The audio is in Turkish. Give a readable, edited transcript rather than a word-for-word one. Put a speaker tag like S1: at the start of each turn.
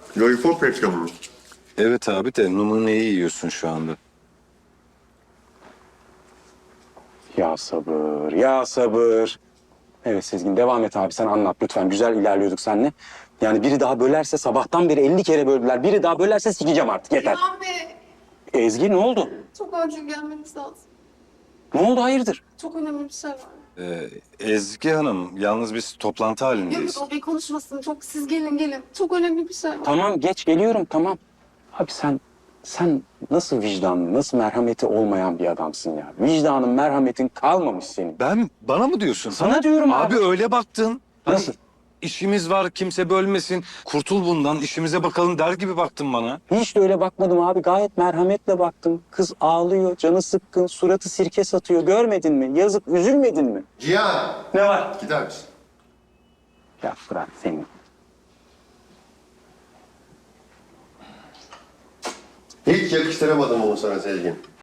S1: Lollipop reklamı mı?
S2: Evet abi de numuneyi yiyorsun şu anda.
S3: Ya sabır, ya sabır. Evet Sezgin devam et abi sen anlat lütfen. Güzel ilerliyorduk seninle. Yani biri daha bölerse sabahtan beri 50 kere böldüler. Biri daha bölerse sikeceğim artık yeter.
S4: İlhan Bey,
S3: Ezgi ne oldu?
S4: çok acil gelmeniz lazım.
S3: Ne oldu hayırdır?
S4: Çok önemli bir şey var.
S2: Ezgi Hanım, yalnız biz toplantı
S4: Yok
S2: halindeyiz.
S4: yok, o bey konuşmasın. Çok siz gelin. Çok önemli bir şey var.
S3: Tamam geç geliyorum tamam. Abi sen nasıl vicdanlı, nasıl merhameti olmayan bir adamsın ya. Vicdanın, merhametin kalmamış senin.
S2: Bana mı diyorsun?
S3: Sana diyorum abi.
S2: Abi öyle baktın. Hani
S3: Nasıl?
S2: işimiz var, kimse bölmesin. Kurtul bundan, işimize bakalım der gibi baktın bana.
S3: Hiç de öyle bakmadım abi. Gayet merhametle baktım. Kız ağlıyor, canı sıkkın, suratı sirke satıyor. Görmedin mi? Yazık, üzülmedin mi?
S1: Cihan!
S3: Ne var?
S1: Gider misin?
S3: Ya Fırat senin.
S1: Hiç yakıştıramadım onu sana Sezgin.